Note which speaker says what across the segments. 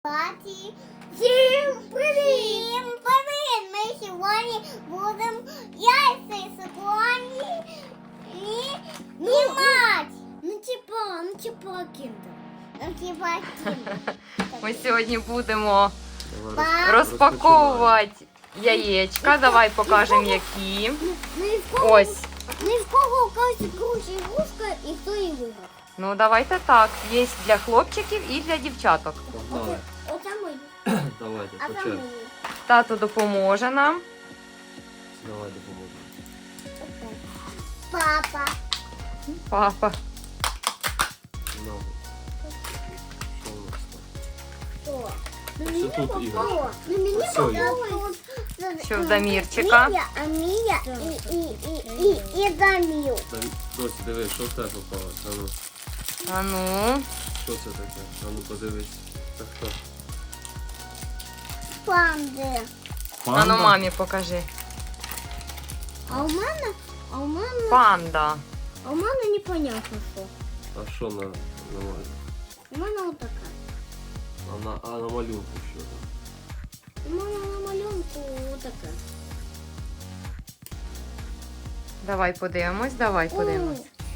Speaker 1: Паті. Всім привіт! Всім привіт! Ми сьогодні будемо яйця сьогодні знімати. Ну типа кіндер.
Speaker 2: Ми сьогодні будемо розпаковувати яєчка. Давай покажемо, які. Ось.
Speaker 1: Не в кого кажуть круче ігрушка і хто її виграв.
Speaker 2: Ну, давайте так. Є для хлопчиків і для дівчаток.
Speaker 3: Давай.
Speaker 1: Оце мої.
Speaker 3: Давайте,
Speaker 1: А
Speaker 3: по
Speaker 1: це
Speaker 3: черзі.
Speaker 1: мої.
Speaker 2: Тато допоможе нам.
Speaker 3: Давай допоможемо.
Speaker 1: Папа.
Speaker 2: Папа.
Speaker 3: Ну, що у нас там?
Speaker 1: Хто? Ну,
Speaker 3: Що
Speaker 1: мені
Speaker 3: тут
Speaker 1: попало.
Speaker 3: іграшки?
Speaker 1: Ну, мені
Speaker 3: Ось це є.
Speaker 1: попало.
Speaker 2: Що в Дамірчика?
Speaker 1: Мія і Дамір.
Speaker 3: Досі, дивись, що в тебе попало? А ну,
Speaker 2: А ну.
Speaker 3: що це таке? А ну подивись. Це хто?
Speaker 1: Панди.
Speaker 2: А ну мамі покажи.
Speaker 1: А у мене
Speaker 2: Панда.
Speaker 1: непонятно що.
Speaker 3: А що на малюнку?
Speaker 1: У мене отака.
Speaker 3: А на малюнку що там?
Speaker 1: У мене на малюнку отака.
Speaker 2: Давай подивимось, давай подивимось.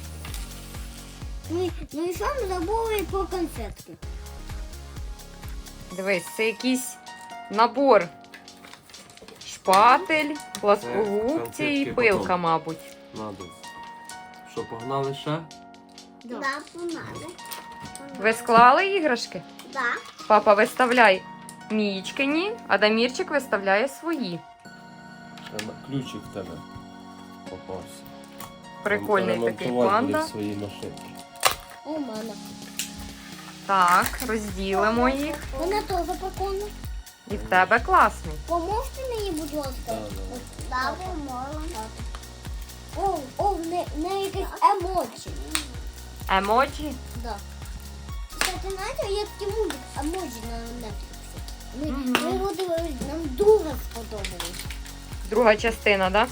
Speaker 1: Ну і що ми забули про конфетки?
Speaker 2: Дивись, це якийсь набор. Шпатель, пласкогубці і
Speaker 3: конфетки
Speaker 2: пилка,
Speaker 3: потім.
Speaker 2: мабуть.
Speaker 3: Надо. Що, погнали ще?
Speaker 1: Да, понадо.
Speaker 2: Ви склали іграшки?
Speaker 1: Да.
Speaker 2: Папа, виставляй Мієчкині, а Дамірчик виставляє свої.
Speaker 3: Ще ключик в тебе попався.
Speaker 2: Прикольний
Speaker 3: Там
Speaker 2: такий
Speaker 3: ремонтувати
Speaker 2: панда.
Speaker 3: будеш свої машинки.
Speaker 1: У мене.
Speaker 2: Так, розділимо їх.
Speaker 1: Вона теж прикольна.
Speaker 2: І в тебе класний.
Speaker 1: Поможете мені, будь ласка?
Speaker 3: Да,
Speaker 1: Да, поможемо. О, не якесь емоджі.
Speaker 2: Емоджі.
Speaker 1: Да. Кстати, знаєте, є такий мультик емоджі на Netflix. Ми його дивились, нам дуже сподобалось.
Speaker 2: Друга частина, так?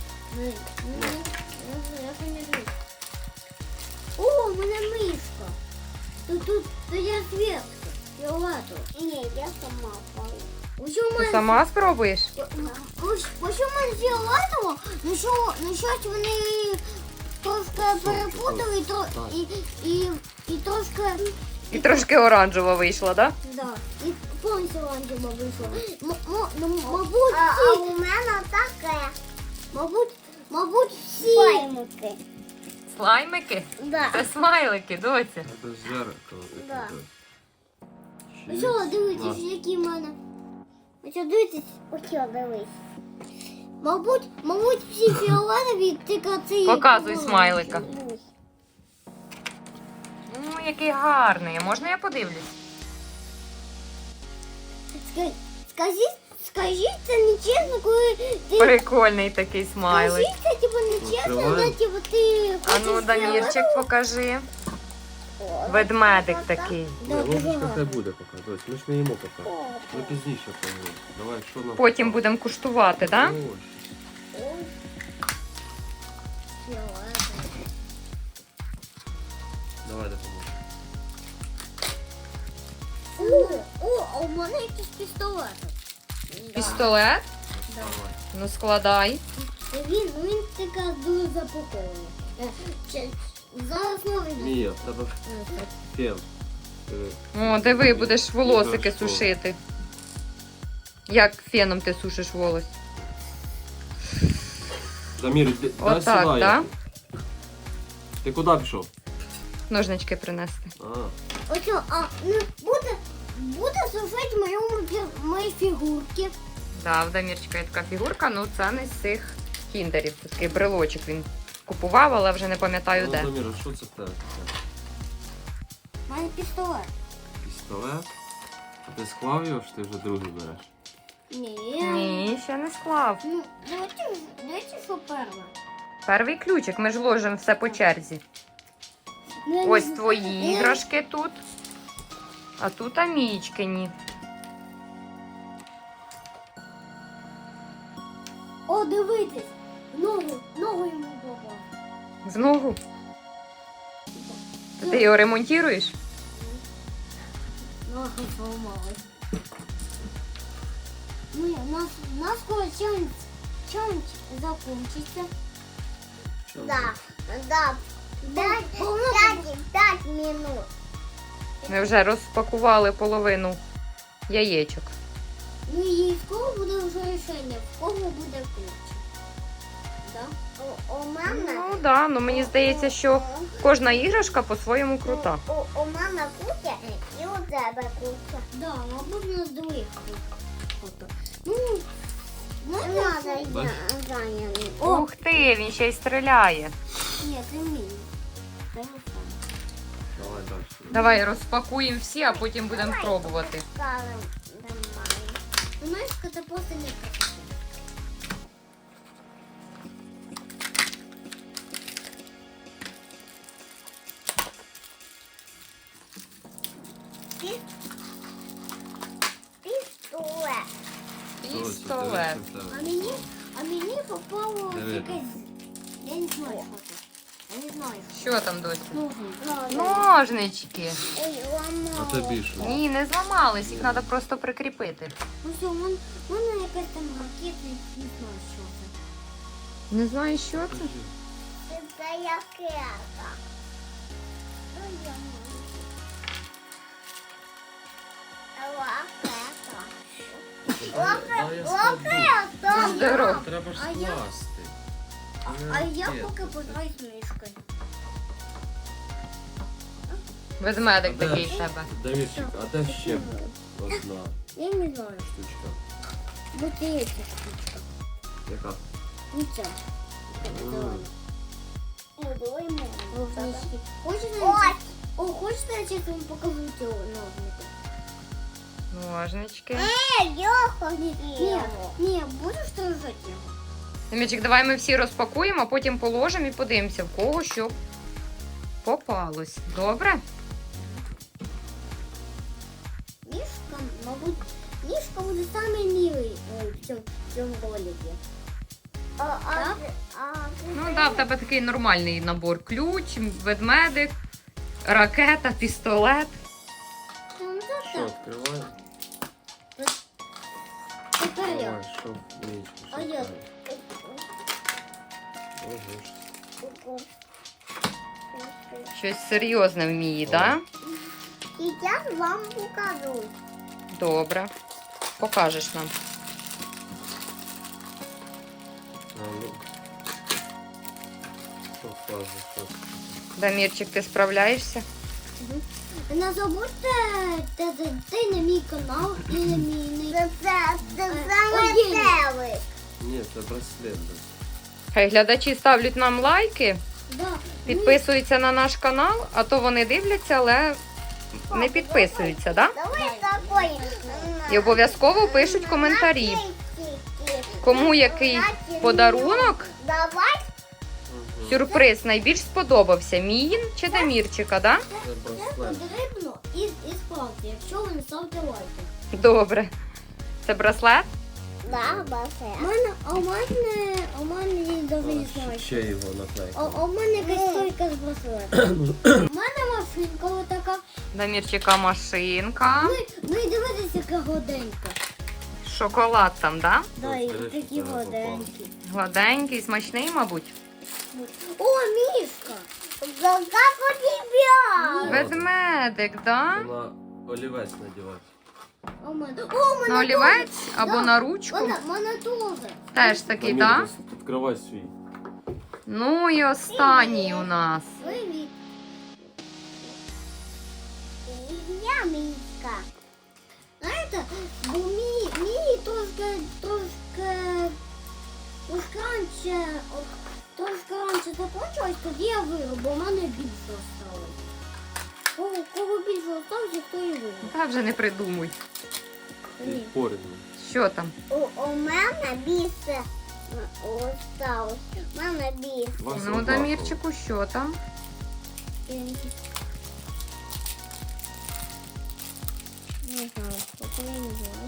Speaker 1: Я пам'ятаю. О, у мене мишка. Тут я зверху. Фіолетово. Ні, я сама пала.
Speaker 2: Ти сама спробуєш?
Speaker 1: Ось у мене фіолетово, ну щось вони трошки перепутали і трошки...
Speaker 2: І трошки оранжева вийшла, так?
Speaker 1: Да, і повністю оранжево вийшло. Мабуть, всі... А у мене таке. Мабуть, всі... Слаймики.
Speaker 2: Слаймики?
Speaker 1: Да.
Speaker 2: Це смайлики, доця.
Speaker 3: Це зеркало таке.
Speaker 1: Да.
Speaker 3: Шість.
Speaker 1: Ось дивитесь, які в мене. Ось дивитесь, ось дивись. Мабуть, всі фіолетові, тільки ці...
Speaker 2: Показуй смайлика. Ну, який гарний. Можна я подивлюсь?
Speaker 1: Скажіть, це нечесно, коли ти...
Speaker 2: Прикольний такий смайлик.
Speaker 1: Скажіть, це типу нечесно,
Speaker 3: Відкривай.
Speaker 1: але типу ти...
Speaker 2: А ну, Дамірчик, покажи. Ведмедик такий.
Speaker 3: Ні, ложечка хай буде поки, дось. Ми ж не їмо поки. Ми пізніше поїмо. Давай, що нам?
Speaker 2: Потім будемо куштувати, так?
Speaker 3: Давай допоможемо.
Speaker 1: А у мене якийсь пістолет.
Speaker 2: Пістолет?
Speaker 3: Давай.
Speaker 2: Ну, складай.
Speaker 1: Він така дуже запакований. Зараз новий.
Speaker 3: Мія, в тебе фен. Диви.
Speaker 2: О, диви, будеш волосики
Speaker 3: Іграшково.
Speaker 2: сушити. Як феном ти сушиш волос?
Speaker 3: Дамір, дай
Speaker 2: Отак,
Speaker 3: сюди.
Speaker 2: так?
Speaker 3: Ти куди пішов?
Speaker 2: Ножнички принести.
Speaker 1: Ось, буде сушити мої фігурки.
Speaker 2: Да, в Дамірчика є така фігурка, ну це не з цих кіндерів. Це такий брелочок він купував, але вже не пам'ятаю де.
Speaker 3: Дамір, а що це в тебе таке?
Speaker 1: У мене пістолет.
Speaker 3: Пістолет? А ти склав його, чи ти вже другий береш?
Speaker 1: Ні.
Speaker 2: Ні, ще не склав.
Speaker 1: Ну, давайте що перше.
Speaker 2: Перший ключик, ми ж ложимо все по черзі. Ось твої іграшки тут. А тут Амічкині.
Speaker 1: О, дивитесь. Ногу йому попав.
Speaker 2: В ногу. Ти його ремонтуєш?
Speaker 1: Ага, сломалась. Ну, у нас скоро челлендж закончится. Да. 5 минут.
Speaker 2: Ми вже розпакували половину яєчок.
Speaker 1: Ну і скоро буде вже рішення, в кого буде ключ. Да? У мене.
Speaker 2: Ну да, ну мені здається, що кожна іграшка по-своєму крута.
Speaker 1: У мене куча і у тебе куча. Да, мабуть, у нас двоїх фото. Ну, можна зайняти.
Speaker 2: Ух ти, він ще й стріляє.
Speaker 1: Ні, це мій. Телефон.
Speaker 3: Давай далі.
Speaker 2: Давай розпакуємо всі, а потім будемо пробувати.
Speaker 1: Знаєш, це просто не красиво.
Speaker 2: Пістолет.
Speaker 1: А мені попало
Speaker 3: Не видно.
Speaker 1: якесь. Я не знаю, що це. Я не знаю.
Speaker 2: Що там досі?
Speaker 1: Ножниці.
Speaker 2: Ножнички.
Speaker 1: Ой, ламала.
Speaker 3: А тобі що?
Speaker 2: Ні, не зламались, їх треба просто прикріпити.
Speaker 1: Ну все, в мене якась там ракета, не знаю, що це.
Speaker 2: Не знаю, що це.
Speaker 1: Це ракета.
Speaker 2: Здорово.
Speaker 3: Треба ж
Speaker 1: А я-
Speaker 3: скласти.
Speaker 1: А я поки пограю з мишкою.
Speaker 2: Ведмедик такий в тебе.
Speaker 3: Дамірчик, а де ще одна
Speaker 1: Я не знаю.
Speaker 3: штучка?
Speaker 1: Вот эта штучка.
Speaker 3: Яка?
Speaker 1: Не ця. Ножнички. Хочешь, я сейчас вам покажу ці ножники?
Speaker 2: Ножнички.
Speaker 1: Не, будешь держать его?
Speaker 2: Мічик, давай ми всі розпакуємо, а потім положимо і подивимося, в кого що попалось. Добре?
Speaker 1: Мишка, мабуть, Мишка буде самый милый в цьому ролике. Так?
Speaker 2: Ну так, в тебе такий нормальний набор. Ключ, ведмедик, ракета, пістолет.
Speaker 1: Ну, так,
Speaker 3: Що,
Speaker 1: так.
Speaker 3: відкриваємо?
Speaker 1: Тепер я.
Speaker 3: Давай, що в нічку?
Speaker 1: А я.
Speaker 3: Ого.
Speaker 2: Щось серйозне вміє, так?
Speaker 1: Сейчас вам покажу.
Speaker 2: Добре. Покажеш нам.
Speaker 3: А, ну. Що вказує, що?
Speaker 2: Дамірчик, ти справляєшся?
Speaker 1: Не забудьте зайти на мій канал і на мій метелик.
Speaker 3: Ні, це браслет.
Speaker 2: Хай глядачі ставлять нам лайки,
Speaker 1: Да.
Speaker 2: підписуються на наш канал, а то вони дивляться, але не підписуються, так?
Speaker 1: Давай такой.
Speaker 2: І обов'язково пишуть коментарі. Кому який подарунок,
Speaker 1: Давай.
Speaker 2: сюрприз найбільш сподобався? Міїн чи Дамірчика, да?
Speaker 3: Це браслет.
Speaker 1: Потрібно і спати, якщо ви не ставите лайки.
Speaker 2: Добре. Це браслет?
Speaker 1: Да, у мене я навіть не знаю.
Speaker 3: Ще його наклейка.
Speaker 1: У мене якась стойка з браслетом. У мене машинка отака.
Speaker 2: Дамірчика машинка.
Speaker 1: Ну і дивитися, яка годенька.
Speaker 2: Шоколад там, да?
Speaker 1: Да, і
Speaker 3: Ось,
Speaker 1: такі
Speaker 3: дивись,
Speaker 1: годенькі.
Speaker 2: Гладенький, смачний, мабуть.
Speaker 1: О, Мішка! Как у тебя?
Speaker 2: Ведмедик, да?
Speaker 3: Вона олівець надівати.
Speaker 1: У мене
Speaker 2: На олівець або на ручку.
Speaker 1: Мене теж.
Speaker 2: Теж такий,
Speaker 3: Дамір,
Speaker 2: да?
Speaker 3: відкривай свій.
Speaker 2: Ну і останній у нас.
Speaker 1: Привіт. Я Мішка. Знаєте, бо мій трошки раніше закончилось, тоді я виграв, бо в мене більше осталось. Кого більше осталось, хто і виграв.
Speaker 2: Та вже не придумуй.
Speaker 1: Ні.
Speaker 3: Порівну.
Speaker 2: Що там?
Speaker 1: У мене більше осталось. У мене більше.
Speaker 3: Вас
Speaker 2: Ну,
Speaker 3: однаково.
Speaker 2: Дамірчику, що там?
Speaker 1: Не знаю, поки я не знаю.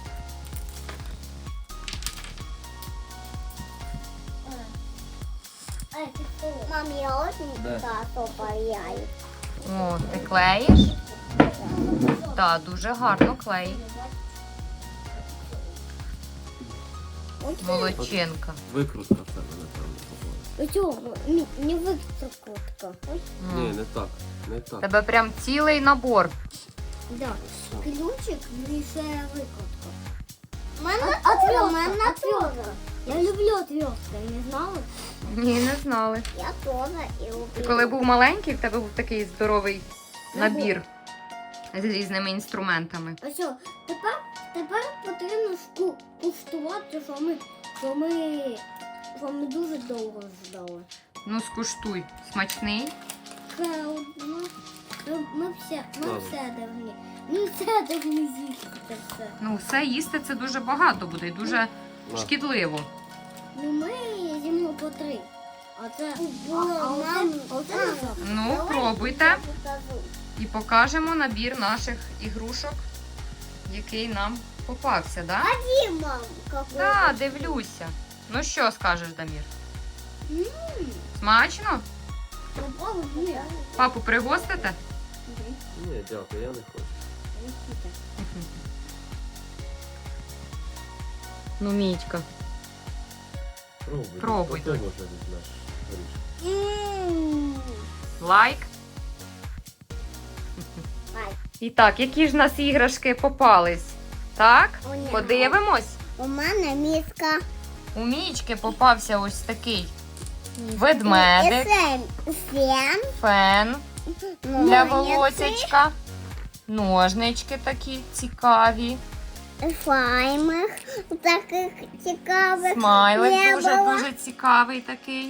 Speaker 1: Мам, я очень
Speaker 3: Да.
Speaker 1: тато паяю.
Speaker 2: О, ти клеїш? Так, дуже гарно клеїть. Молодчинка.
Speaker 3: Викрутка в тебе, напевно, попала.
Speaker 1: Ось, не викрутка. Ось.
Speaker 3: Ні, не так. Не
Speaker 2: У
Speaker 3: так.
Speaker 2: тебе прям цілий набор.
Speaker 1: Да.
Speaker 3: Все.
Speaker 1: Ключик і ще викрутка. Отвертка. Я люблю отвертки, не знали?
Speaker 2: Ні, не знали.
Speaker 1: Я теж і
Speaker 2: Ти
Speaker 1: люблю.
Speaker 2: коли був маленький, в тебе був такий здоровий набір з різними інструментами.
Speaker 1: А що, тепер потрібно куштувати, що ми дуже довго ждали.
Speaker 2: Ну, скуштуй. Смачний?
Speaker 1: Ще одно. Ми все
Speaker 3: Ладно.
Speaker 1: повинні. Ми все повинні з'їсти це все.
Speaker 2: Ну, все їсти це дуже багато буде і дуже
Speaker 3: На.
Speaker 2: шкідливо.
Speaker 1: Ну ми їмо по 3. А це було нам.
Speaker 2: Ну, пробуйте і покажемо набір наших ігрушок, який нам попався, да?
Speaker 1: Мам, какой.
Speaker 2: Так, дивлюся. Ну що скажеш, Дамір? Смачно?
Speaker 1: Попробуй.
Speaker 2: Папу пригостите?
Speaker 3: Ні, дякую, я не хочу.
Speaker 2: Ну, Мітька.
Speaker 3: Пробуй.
Speaker 2: Пробуй,
Speaker 3: Потім
Speaker 2: Донь.
Speaker 3: вже візьмеш горішки.
Speaker 2: Лайк. І так, які ж в нас іграшки попались? Так,
Speaker 1: О, ні.
Speaker 2: подивимось.
Speaker 1: У мене міска.
Speaker 2: У Мічки попався ось такий ведмедик, фен для волосячка, ножнички такі цікаві,
Speaker 1: Слаймих таких цікавих.
Speaker 2: смайлик
Speaker 1: не було.
Speaker 2: дуже цікавий такий.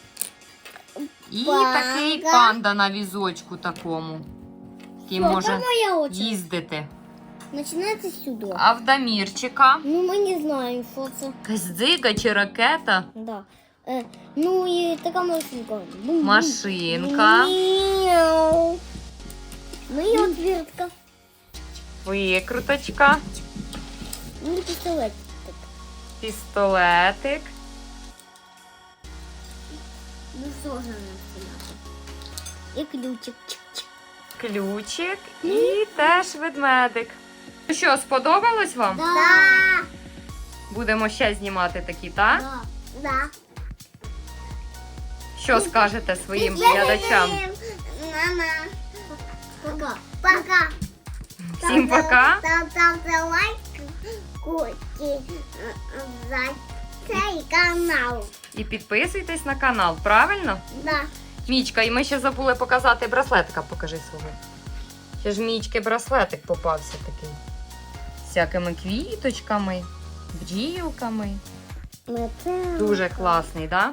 Speaker 2: І
Speaker 1: Панда.
Speaker 2: такий панда на візочку такому, який може
Speaker 1: моя очередь.
Speaker 2: їздити.
Speaker 1: Починається сюди.
Speaker 2: А в Дамірчика
Speaker 1: Ну, ми не знаємо, що це.
Speaker 2: якась дзига чи ракета,
Speaker 1: Да. Ну і така машинка. Бум-бум.
Speaker 2: машинка,
Speaker 1: Мяу. Ну і отвертка.
Speaker 2: викруточка,
Speaker 1: Ну і пістолет.
Speaker 2: пістолетик.
Speaker 1: Ну що ж нам стріляти? І ключик. Чик-чик.
Speaker 2: Ключик і теж ведмедик. Ну що, сподобалось вам?
Speaker 1: Да.
Speaker 2: Будемо ще знімати такі, так?
Speaker 1: Да. Да.
Speaker 2: Що скажете своїм глядачам?
Speaker 1: Мама. Пока. Пока.
Speaker 2: Всім пока.
Speaker 1: Ставте лайк за цей канал.
Speaker 2: І підписуйтесь на канал, правильно?
Speaker 1: Да.
Speaker 2: Мічка, і ми ще забули показати браслетика, покажи свого. Ще ж Мічки браслетик попався такий. З всякими квіточками, бджілками. Дуже класний, так? Да?